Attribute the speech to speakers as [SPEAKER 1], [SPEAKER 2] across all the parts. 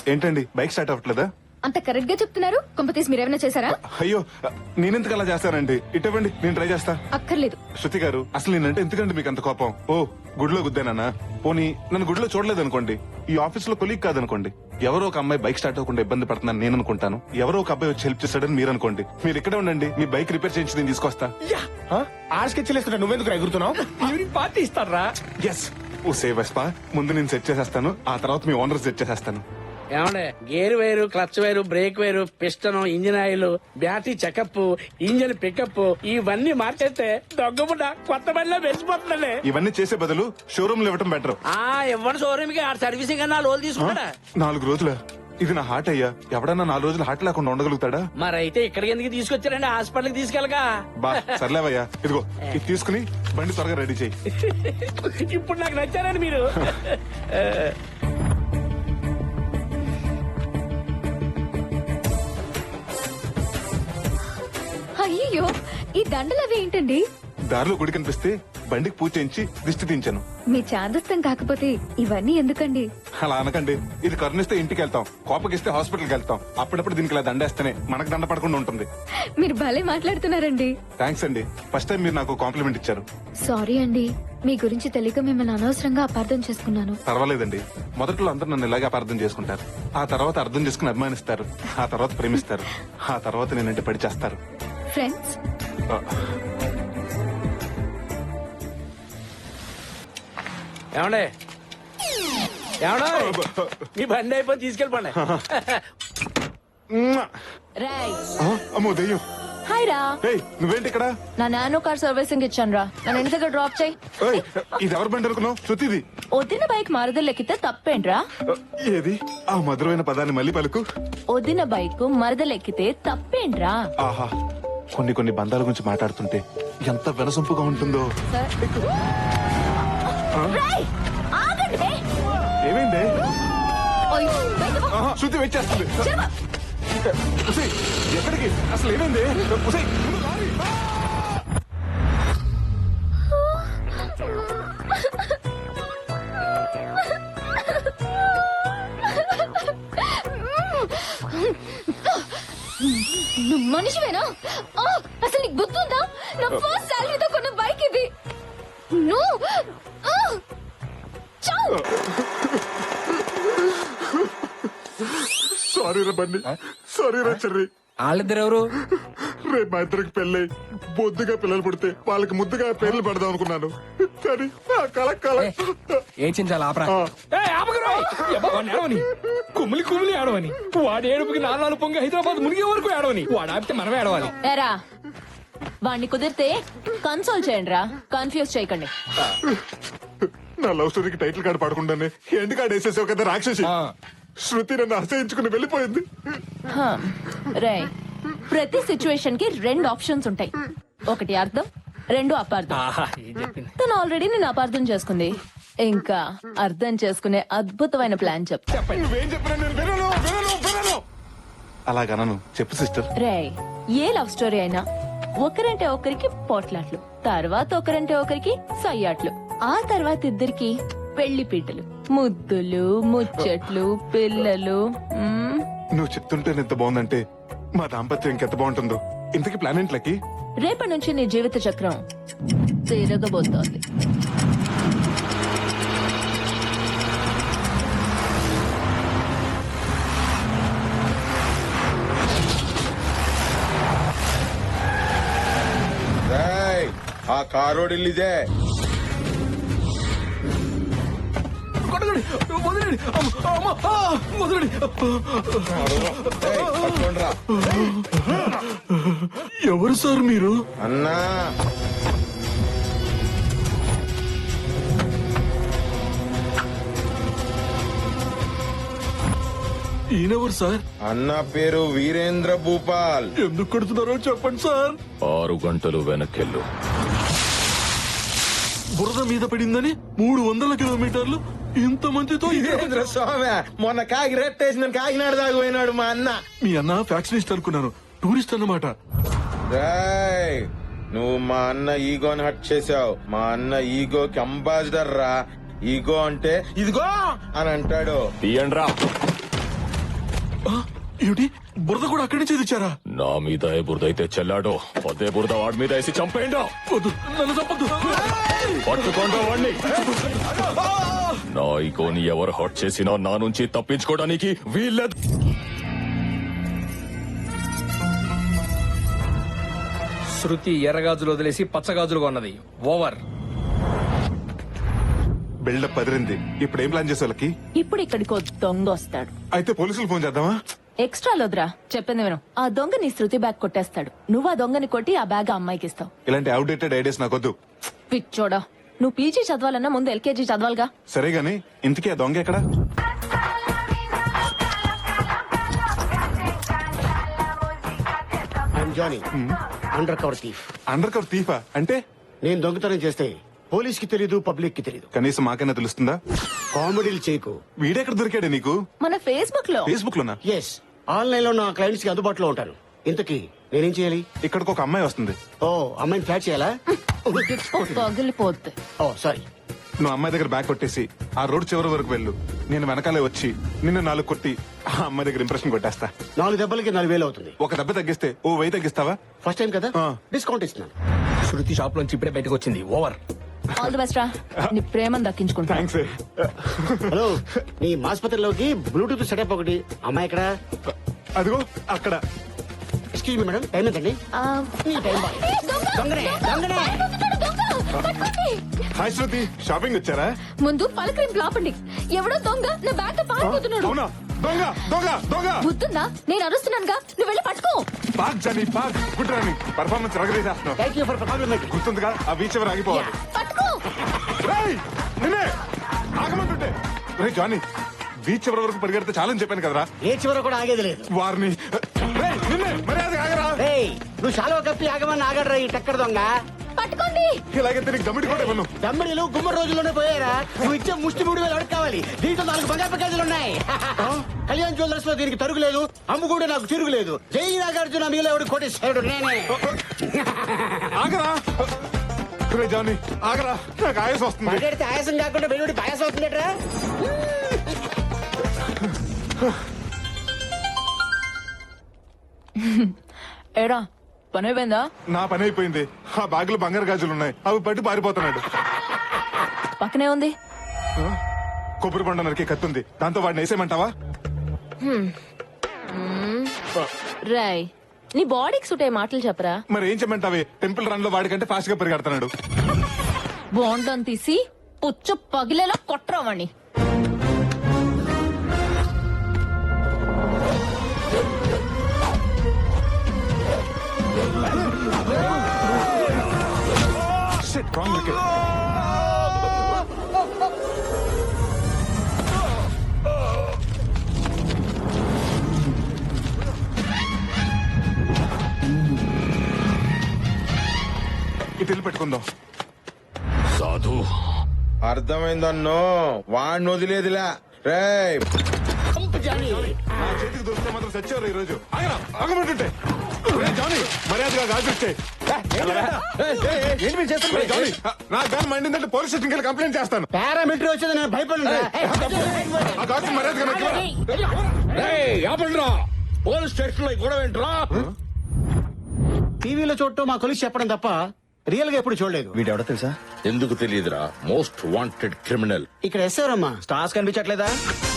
[SPEAKER 1] ఏంటండి bike start అవ్వట్లేదా?
[SPEAKER 2] అంత correct గా చెప్తున్నారు. కొంపతీసి మీరేమైనా చేశారా?
[SPEAKER 1] అయ్యో నేనెందుకు అలా చేస్తానండి? ఇటువంటి నేను ట్రై చేస్తా.
[SPEAKER 2] అక్కర్లేదు.
[SPEAKER 1] శృతి గారు అసలు నేనంటే ఎందుకండి మీకు అంత కోపం? ఓ గుడిలో గుద్దానన్నా? పోనీ నన్ను గుడిలో చూడలేదు అనుకోండి, ఈ ఆఫీస్ లో కొలీగ్ కాదనుకోండి, ఎవరో ఒక అమ్మాయి బైక్ స్టార్ట్ అవ్వకుండా ఇబ్బంది పడుతున్నాను నేను అనుకుంటాను, ఎవరో ఒక అబ్బాయి వచ్చి హెల్ప్ చేస్తాడని మీరు అనుకోండి. మీరు ఇక్కడే ఉండండి, మీ బైక్ రిపేర్ చేయించి నేను తీసుకొస్తా.
[SPEAKER 3] ఆర్స్కెచ్చేస్తున్నా, నువ్వెందుకు ఎగురుతున్నావు? ఈవినింగ్ పార్టీ ఇస్తారా?
[SPEAKER 1] ఎస్ ఓ సేవస్పా, ముందు నేను సెట్ చేసేస్తాను, ఆ తర్వాత మీ ఓనర్ సెట్ చేసేస్తాను.
[SPEAKER 4] ఏమండే, gear wire, clutch wire, brake wire, piston, engine oil, battery checkup, engine pickup ఇవన్నీ మార్చేస్తే దొంగబుడ్డ కొత్త బండిలో వెలిసిపోతుందండి.
[SPEAKER 1] ఇవన్నీ చేసే బదులు షోరూమ్ లో ఇవ్వటం బెటర్.
[SPEAKER 4] ఇవ్వండి షోరూమ్ కి, ఆ సర్వీసింగ్ అన్నా లోన్ తీసుకుంటాడా?
[SPEAKER 1] 4 రోజుల ఇది నా హార్ట్ అయ్యా, ఎవడన్నా 4 రోజులు హార్ట్ లేకుండా ఉండగలుగుతాడా?
[SPEAKER 4] మరైతే ఇక్కడికి ఎందుకు తీసుకొచ్చారండి? హాస్పిటల్ కి తీసుకెళ్ళగా.
[SPEAKER 1] బా సర్లేవయ్యా, ఇదిగో ఇది తీసుకుని బండి త్వరగా రెడీ చేయి.
[SPEAKER 4] ఇప్పుడు నాకు నచ్చారండి మీరు.
[SPEAKER 2] అయ్యో, ఈ దండలు అవి ఏంటండి?
[SPEAKER 1] దారిలో గుడి కనిపిస్తే బండికి పూజ చేయించి దిష్టి తీయించాను.
[SPEAKER 2] మీ చాదస్తం కాకపోతే ఇవన్నీ ఎందుకండి?
[SPEAKER 1] అలా అనకండి, ఇది కరుణిస్తే ఇంటికి వెళ్తాం, కోపగిస్తే హాస్పిటల్కి వెళ్తాం, అప్పుడప్పుడు దీనికి ఇలా దండేస్తేనే మనకు దండ పడకుండా ఉంటుంది.
[SPEAKER 2] మీరు భలే మాట్లాడుతున్నారండి.
[SPEAKER 1] థ్యాంక్స్ అండి, ఫస్ట్ టైం మీరు నాకు కాంప్లిమెంట్ ఇచ్చారు.
[SPEAKER 2] సారీ అండి, మీ గురించి తెలియక మిమ్మల్ని అనవసరంగా అపార్థం చేసుకున్నాను.
[SPEAKER 1] పర్వాలేదండి, మొదట్లో అందరూ నన్ను ఇలాగే అపార్థం చేసుకుంటారు, ఆ తర్వాత అర్థం చేసుకుని అభిమానిస్తారు, ఆ తర్వాత ప్రేమిస్తారు, ఆ తర్వాత నేనంటే పడి చేస్తారు.
[SPEAKER 2] ఫ్రెండ్స్,
[SPEAKER 4] ఏమండే ఏమన్నా, మీ బండి అయిపోయి తీసుకెళ్ళిపోండి.
[SPEAKER 5] రాయ్,
[SPEAKER 1] అమ్మో దెయ్యం.
[SPEAKER 5] హాయ్ రా.
[SPEAKER 1] ఏయ్, నువ్వేంటి ఇక్కడ?
[SPEAKER 5] నా నానో కార్ సర్వీసింగ్ ఇచ్చాను రా, నన్ను ఇంటి దగ్గర డ్రాప్ చేయి.
[SPEAKER 1] ఏయ్, ఇది ఎవరి బండి అనుకున్నావు? శృతిది.
[SPEAKER 5] వదిన బైక్ మరదలు ఎక్కితే తప్పేంట్రా?
[SPEAKER 1] ఏది ఆ మధురమైన పదాన్ని మళ్ళీ పలుకు.
[SPEAKER 5] వదిన బైక్ మరదలు ఎక్కితే తప్పేంట్రా?
[SPEAKER 1] ఆహా, కొన్ని బంధాల గురించి మాట్లాడుతుంటే ఎంత వినసొంపుగా ఉంటుందో.
[SPEAKER 5] రాయ్, ఆగండి.
[SPEAKER 1] ఏమైంది?
[SPEAKER 5] ఓయ్, బయటకు పో.
[SPEAKER 1] ఆహా, శృతి వెయిట్ చేస్తుంది.
[SPEAKER 5] చెరప.
[SPEAKER 1] ఉసేయ్, ఎక్కడికి? అసలు ఏమైంది? ఉసేయ్, ముందు లారీ.
[SPEAKER 2] నువ్వు మనిషివేనా? అసలు నీకు గుర్తుందా? నా ఫస్ట్ సాలరీతో కొన్న బైక్ ఇది.
[SPEAKER 1] సారీ రా బండి, సారీ రా చెర్రి.
[SPEAKER 3] వాళ్ళిద్దరు ఎవరు?
[SPEAKER 1] రేపు మా ఇద్దరికి పెళ్ళై బొద్దుగా పిల్లలు పుడితే వాళ్ళకి ముద్దుగా పేర్లు పెడదాం అనుకున్నాను, కానీ ఆ కల
[SPEAKER 3] ఏం చించాలి ఆపరా. కుమ్మిలి కుమ్మిలి ఆడవని, వాడు ఏడుపుకి 4 పొంగి హైదరాబాద్ మునిగే వరకు ఆడవని, వాడు ఆపితే మనమే ఆడవాలి.
[SPEAKER 5] ఏరా, వాణ్ణి కుదిరితే కన్సోల్ చేయండి రా, కన్ఫ్యూజ్ చేయకండి.
[SPEAKER 1] నా లవ్ స్టోరీకి టైటిల్ కార్డు పడకుండానే ఎండ్ కార్డు వేసేసావు కదా రాక్షసి. శృతి నన్ను అసహించుకుని వెళ్ళిపోయింది.
[SPEAKER 5] రేయ్, ప్రతి సిచ్యువేషన్ కి 2 ఆప్షన్స్ ఉంటాయి, ఒకటి అర్థం, 2 అపార్థం. తను ఆల్రెడీ నేను అపార్థం చేసుకుంది, ఇంకా అర్థం చేసుకునే అద్భుతమైన ప్లాన్ చెప్తా.
[SPEAKER 1] నువ్వేం చెప్పినా నేను వినను. అలాగనను, చెప్పు సిస్టర్.
[SPEAKER 5] రేయ్, ఏ లవ్ స్టోరీ అయినా ఒకరంటే ఒకరికి పోట్లాట్లు, తర్వాత ఒకరంటే ఒకరికి సయ్యాట్లు, ఆ తర్వాత ఇద్దరికి పెళ్లి పీటలు, ముద్దులు, ముచ్చట్లు, పిల్లలు.
[SPEAKER 1] నువ్వు చెప్తుంటే ఎంత బాగుందంటే మా దాంపత్యం ఇంకెంత బాగుంటుందో. ఇంతకీ ప్లాన్ ఏంట్లకి?
[SPEAKER 5] రేపటి నుంచి నీ జీవిత చక్రం తిరగబోతోంది.
[SPEAKER 6] ఆ కారోడిల్లిదే.
[SPEAKER 1] ఎవరు సార్ మీరు?
[SPEAKER 6] అన్నా,
[SPEAKER 1] ఈయనెవరు సార్?
[SPEAKER 6] అన్న పేరు వీరేంద్ర భూపాల్.
[SPEAKER 1] ఎందుకు కొడుతున్నారో చెప్పండి సార్.
[SPEAKER 7] 6 గంటలు వెనకెళ్ళు.
[SPEAKER 1] బురద మీద పడిందని 300 కిలోమీటర్లు ఇంత మందితో
[SPEAKER 6] వీరేంద్ర స్వామి మొన్న కాకి రెట్టేసిన కాకినాడ దాకా పోయినాడు మా అన్న.
[SPEAKER 1] మీ అన్న ఫ్యాక్షనిస్ట్ అనుకున్నాను, టూరిస్ట్ అన్నమాట.
[SPEAKER 6] రేయ్, నువ్వు మా అన్న ఈగోని హట్ చేసావు. మా అన్న ఈగోకి అంబాసిడర్ రా. ఈగో అంటే ఇదిగో అని అంటాడు.
[SPEAKER 7] తీయండ్రా.
[SPEAKER 1] ఏమిటి బురద కూడా అక్కడి నుంచి తెచ్చారా?
[SPEAKER 7] నా మీద ఏ బురద అయితే చెల్లాడో అదే బురద వాడి మీద వేసి చంపేయండి.
[SPEAKER 1] వద్దు, నన్ను చంపొద్దు.
[SPEAKER 7] పట్టుకోండి వాడిని. నా ఈగోని ఎవరు హర్ట్ చేసినా నా నుంచి తప్పించుకోవడానికి వీల్లేదు.
[SPEAKER 3] శృతి ఎర్రగాజులు వదిలేసి పచ్చగాజులుగా ఉన్నది. ఓవర్.
[SPEAKER 1] బిల్డప్ పదిరింది. ఇప్పుడు ఏం ప్లాన్ చేసే వాళ్ళకి?
[SPEAKER 5] ఇప్పుడు ఇక్కడికి ఓ దొంగ వస్తాడు.
[SPEAKER 1] అయితే పోలీసులు ఫోన్ చేద్దామా?
[SPEAKER 5] ఎక్స్ట్రా లోద్రా, చెప్పింది విను. ఆ దొంగ నీ శృతి బ్యాగ్ కొట్టేస్తాడు. నువ్వు ఆ దొంగని కొట్టి ఆ బ్యాగ్ ఆ అమ్మాయికి ఇస్తావు.
[SPEAKER 1] ఇలాంటి అవుడేటెడ్ ఐడియాస్ నాకొద్దు.
[SPEAKER 5] పిచ్చోడా, నువ్వు పీజీ చదవాలన్నా ముందు ఎల్కేజీ చదవాలిగా.
[SPEAKER 1] సరే గాని ఇంతకీ ఆ దొంగ ఎక్కడ?
[SPEAKER 8] Johnny under cover thief.
[SPEAKER 1] Under cover తీఫా అంటే?
[SPEAKER 8] నేను దొంగతనం చేస్తే పోలీస్ కి తెలీదు, పబ్లిక్ కి తెలీదు.
[SPEAKER 1] కనీసం మాకైనా తెలుస్తుందా?
[SPEAKER 8] కామెడీలు చేయకు.
[SPEAKER 1] వీడెక్కడ దొరికాడే నీకు?
[SPEAKER 5] మన ఫేస్బుక్ లో.
[SPEAKER 1] ఫేస్బుక్ లోనా?
[SPEAKER 8] ఎస్, ఆన్లైన్ లో నా క్లయింట్స్ కి అందుబాటులో ఉంటాను. ఇంతకీ నేనేం చేయాలి?
[SPEAKER 1] ఇక్కడికి ఒక అమ్మాయి వస్తుంది.
[SPEAKER 8] ఓ, అమ్మాయిని ఫ్లాట్ చేయాలా?
[SPEAKER 5] పగిలిపోద్ది.
[SPEAKER 8] Oh sorry.
[SPEAKER 1] నువ్వు అమ్మాయి దగ్గర బ్యాగ్ కొట్టేసి ఆ రోడ్ చివరి వరకు వెళ్ళు. నేను వెనకాలే వచ్చి నిన్ను 4 కొట్టి ఆ అమ్మాయి దగ్గర ఇంప్రెషన్ కొట్టేస్తా.
[SPEAKER 8] 4 దెబ్బలకి 4,000 అవుతుంది.
[SPEAKER 1] ఒక దెబ్బ తగ్గిస్తే ఓ 1000 తగ్గిస్తావా?
[SPEAKER 8] ఫస్ట్ టైం కదా,
[SPEAKER 1] ఆ.
[SPEAKER 8] డిస్కౌంట్ ఇస్తున్నాను.
[SPEAKER 3] శృతి షాప్ లోంచి ఇప్పుడే బయటకు వచ్చింది. ఓవర్.
[SPEAKER 5] ఆల్ ది బెస్ట్ రా, నీ ప్రేమను దక్కించుకుంటా.
[SPEAKER 1] థ్యాంక్స్.
[SPEAKER 8] హలో, నీ ఆసుపత్రిలోకి బ్లూటూత్ సెటప్ ఒకటి. అమ్మాయి ఎక్కడ?
[SPEAKER 1] అదిగో అక్కడ.
[SPEAKER 8] ఎక్స్క్యూజ్ మీ మేడం, టైం ఎంతండి? ఈ టైం బాయ్. దొంగనే, దొంగనే.
[SPEAKER 1] హాయ్ శృతి, షాపింగ్ వచ్చారా?
[SPEAKER 2] ముందు పలకరింపు లాపండి. ఎవడో దొంగ నా బ్యాగ్ తో పారిపోతున్నాడు.
[SPEAKER 1] అవునా? దొంగ దొంగ దొంగ!
[SPEAKER 2] బుద్ధుందా? నేను అరుస్తున్నానుగా, నువ్వు వెళ్ళి పట్టుకో.
[SPEAKER 1] Park Johnny park. Good running. Performance రగరేసేస్తున్నావు.
[SPEAKER 8] Thank you for compliment.
[SPEAKER 1] గుర్తుందిగా ఆ బీచ్ ఎవరు ఆగిపోవాలి.
[SPEAKER 2] పట్టుకో.
[SPEAKER 1] రేయ్, నిన్నే ఆగమంటుంటే. రే జానీ, బీచ్ ఎవరి వరకు పరిగెడితే చాలని చెప్పాను కదరా.
[SPEAKER 8] ఏ చివర కూడా ఆగేది లేదు.
[SPEAKER 1] వారిని రేయ్, నిన్నే మర్యాద ఆగరా.
[SPEAKER 8] రేయ్, నువ్వు శాలువా కప్పి ఆగమని ఆగడరా ఈ టక్కర దొంగ.
[SPEAKER 2] పట్టుకోండి.
[SPEAKER 1] ఇలాగైతే నీకు గమ్మిడి కూడా ఇవ్వను.
[SPEAKER 8] దమ్మిడిలు గుమ్మడి రోజుల్లోనే పోయారా? నువ్వు ఇచ్చే ముష్టి 3,000 అడుగు కావాలి. దీంట్లో 4 బంగారు ప్యాకేజీలు ఉన్నాయి. కళ్యాణ్ జ్యువెలర్స్ లో దీనికి తరుగులేదు, అమ్ముకుంటే నాకు తిరుగులేదు. జై నాగార్జున మీలో ఎవడు కోటేశ్వరుడు నేనే.
[SPEAKER 1] ఆగరా. రే జానీ ఆగరా, నాకు ఆయాసం వస్తుంది.
[SPEAKER 8] మాట్లాడితే ఆయాసం కాకుండా వెలువడి పాయాసం అవుతుందట్రా.
[SPEAKER 5] ఏరా, పని అయిపోయిందా?
[SPEAKER 1] నా పని అయిపోయింది. ఆ బ్యాగ్ లో బంగారు గాజులు ఉన్నాయి, అవి పట్టి పారిపోతున్నాడు.
[SPEAKER 5] పక్కనే ఉంది.
[SPEAKER 1] కొబ్బరి బండ నరికి కత్తుంది, దాంతో వాడిని వేసేయమంటావా?
[SPEAKER 5] రాయ్, నీ బాడీకి సూట్ అయ్యే మాటలు చెప్పరా.
[SPEAKER 1] మరి ఏం చెప్పమంటావే? టెంపుల్ రన్ లో వాడికంటే ఫాస్ట్ గా పరిగెడుతున్నాడు.
[SPEAKER 5] బాండం తీసి పుచ్చు పగిలేలా కొట్టరావాణ్ణి.
[SPEAKER 1] Shit, wrong wicket. ఇటు వెళ్ళి పెట్టుకుందాం.
[SPEAKER 7] సాధు,
[SPEAKER 6] అర్థమైందన్నో, వాడిని వదిలేదిలా. రేయ్,
[SPEAKER 1] నా చేతికి దొరికితే మాత్రం చచ్చేవారు ఈ రోజు. ఆగరా, ఆగమంటుంటే. రే జానీ, మర్యాదగా గాజు ఇచ్చే. నా గాని మండిందంటే పోలీస్ స్టేషన్కి వెళ్ళి కంప్లైంట్ చేస్తాను.
[SPEAKER 8] పారామిలిటరీ వచ్చేది నేను భయపడను.
[SPEAKER 1] ఆ గాజు మర్యాదగా నాకు ఇవ్వరా?
[SPEAKER 4] పోలీస్ స్టేషన్ లో గొడవ ఏంట్రా?
[SPEAKER 8] టీవీలో చూడటం మా కొలిసి చెప్పడం తప్ప రియల్ గా ఎప్పుడు చూడలేదు.
[SPEAKER 9] వీడెవడో తెలుసా?
[SPEAKER 7] ఎందుకు తెలియదురా? Most wanted criminal.
[SPEAKER 8] ఇక్కడ ఎస్ఆరమ్మా
[SPEAKER 9] స్టార్స్ కనిపించట్లేదా?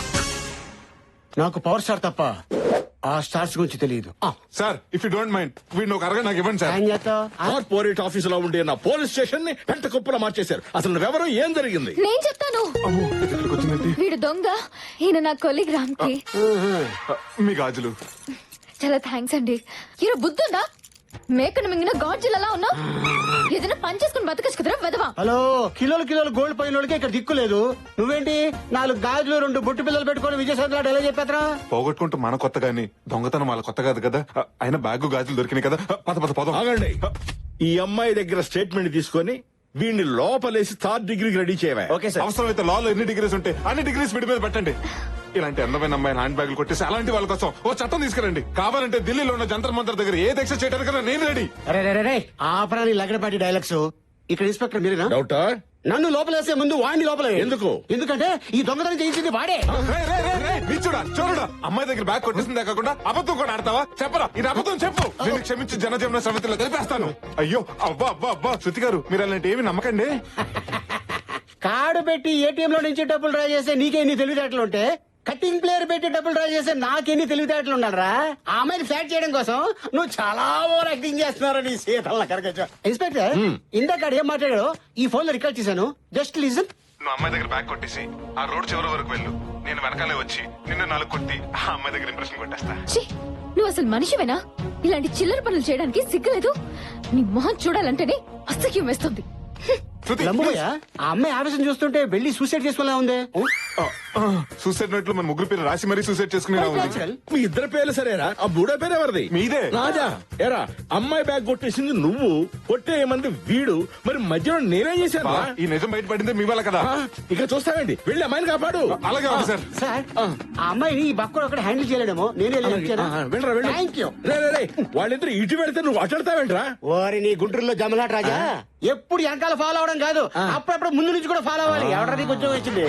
[SPEAKER 8] నాకు పవర్ స్టార్ తప్ప ఆ స్టార్స్ గురించి తెలియదు.
[SPEAKER 1] Sir, if you don't mind వీడిని ఒక అరగ నాకు ఇవ్వండి సార్.
[SPEAKER 8] ఏం చేస్తావ్?
[SPEAKER 4] కార్పొరేట్ ఆఫీస్ లో ఉండే నా పోలీస్ స్టేషన్ ని పెంట కుప్పలా మార్చేశారు. అసలు నువ్వెవరో, ఏం జరిగింది?
[SPEAKER 2] నేను చెప్తాను.
[SPEAKER 1] ఇక్కడికి వచ్చిందంటే
[SPEAKER 2] వీడు దొంగ, ఈయన నా కొలీగ్ రామ్ కి.
[SPEAKER 1] మీ గాజులు.
[SPEAKER 2] చాలా థ్యాంక్స్ అండి. ఈయన బుద్ధుందా? మేకను మింగిన గాడ్జిలలా ఉన్నా. ఏదైనా పని చేసుకుని బతకచ్చు కదరా వెదవా.
[SPEAKER 8] హలో, కిలోలు కిలోలు గోల్డ్ పైన వాళ్ళకి ఇక్కడ దిక్కు లేదు. నువ్వేంటి 4 గాజులు 2 బొట్టు పిల్లలు పెట్టుకొని విజయసాయి ఎలా చెప్పేద్రా?
[SPEAKER 1] పోగొట్టుకుంటూ మన కొత్త గాని దొంగతనం వాళ్ళ కొత్త కాదు కదా. అయినా బ్యాగ్ గాజులు దొరికినాయి కదా. పద పద పదం.
[SPEAKER 4] ఆగండి. ఈ అమ్మాయి దగ్గర స్టేట్మెంట్ తీసుకొని వీడిని లోపలేసి 3rd డిగ్రీకి రెడీ చేయవా?
[SPEAKER 9] Okay sir.
[SPEAKER 1] అవసరమైతే లాలో ఎన్ని డిగ్రీస్ ఉంటే అన్ని డిగ్రీస్ విడి మీద పెట్టండి. ఇలాంటి అందమైన అమ్మాయిని హ్యాండ్ బ్యాగులు కొట్టేసి అలాంటి వాళ్ళ కోసం ఓ చట్టం తీసుకురండి. కావాలంటే ఢిల్లీలో ఉన్న జంతర్ మంతర్ దగ్గర ఏ దీక్ష చేయడానికైనా నేను రెడీ.
[SPEAKER 8] అరే ఆపరాని లగడపాటి డైలాగ్స్. ఇక్కడ ఇన్స్పెక్టర్ మీరేనా?
[SPEAKER 4] డౌటా?
[SPEAKER 8] నన్ను లోపలేసే ముందు వాడిని లోపల
[SPEAKER 4] ఎందుకు?
[SPEAKER 8] ఎందుకంటే ఈ దొంగతనం చేయించింది వాడే.
[SPEAKER 1] రేయ్, రేయ్, రేయ్, రేయ్, నిల్చో. నీచుడా చోరుడా అమ్మాయి దగ్గర బ్యాగ్ కొట్టేసిందే కాకుండా అబద్ధం కూడా ఆడతావా చెప్పరా ఇది అబద్ధం చెప్పు నేను క్షమించి జనజీవన సమితిలో కలిపేస్తాను అయ్యో అబ్బా అబ్బా అబ్బా శృతి గారు మీరు అలాంటి ఏమి నమ్మకండి
[SPEAKER 8] కార్డు పెట్టి ఏటీఎం లో నుంచి డబ్బులు డ్రా చేస్తే నీకెన్ని తెలివితేటలు ఉంటే కటింగ్ ప్లేయర్ పెట్టి డబ్బులు డ్రా చేస్తే నాకెన్ని తెలివితేటలు ఉండాలరా ఆ అమ్మాయిని ఫ్లాట్ చేయడం కోసం నువ్వు చాలా ఓవర్ యాక్టింగ్ చేస్తున్నావు నీ సీతల కరగచ్చు ఇన్స్పెక్టర్ ఇందాక ఏం మాట్లాడాడు ఈ ఫోన్ లో రికార్డ్ చేశాను జస్ట్ లిజన్.
[SPEAKER 1] నువ్వు అమ్మాయి దగ్గర బ్యాగ్ కొట్టేసి ఆ రోడ్ చివరి వరకు వెళ్ళు నేను వెనకాలే వచ్చి నిన్ను 4 కొట్టి ఆ అమ్మాయి దగ్గర ఇంప్రెషన్ కొట్టేస్తా.
[SPEAKER 2] ఛీ, నువ్వు అసలు మనిషివేనా? ఇలాంటి చిల్లర పనులు చేయడానికి సిగ్గులేదు? నీ మొహం చూడాలంటేనే అసహ్యం వేస్తుంది.
[SPEAKER 1] శృతి,
[SPEAKER 8] లమ్మయ్య ఆ అమ్మాయి ఆవేశం చూస్తుంటే వెళ్ళి సూసైడ్ చేసుకోలే ఉంది.
[SPEAKER 1] సూసైడ్ నోట్లు మన ముగ్గురు పేరు రాసి మరీ సూసైడ్ చేసుకునే ఉంది.
[SPEAKER 9] మీ ఇద్దరు పేర్లు సరేరా ఆ బూడో పేరు ఎవరిది?
[SPEAKER 1] మీదే.
[SPEAKER 9] రాజా ఎరా అమ్మాయి బ్యాగ్ కొట్టేసింది నువ్వు, కొట్టేయమంది వీడు, మరి మధ్యలో నేనేం చేశాను?
[SPEAKER 1] ఈ నిజం బయటపడిందే మీ వల్ల కదా.
[SPEAKER 9] ఇక చూస్తావేంటి, వెళ్ళి అమ్మాయిని కాపాడు.
[SPEAKER 1] అలాగే ఉంది సార్.
[SPEAKER 8] సార్ ఆ అమ్మాయిని ఈ బక్కడు ఒకటి హ్యాండిల్ చేయలేడేమో నేనే
[SPEAKER 9] వెళ్ళరా వెళ్ళు.
[SPEAKER 8] Thank you.
[SPEAKER 9] రే వాళ్ళిద్దరు ఇటు వెళ్తే నువ్వు అట్లాడతావేంట్రా?
[SPEAKER 8] ఓరి నీ గుంటూరులో జమలాట రాజా ఎప్పుడు వెనకాల ఫాలో అవడం కాదు అప్పుడప్పుడు ముందు నుంచి కూడా ఫాలో అవ్వాలి. ఎవరికి ఉద్యోగం వచ్చింది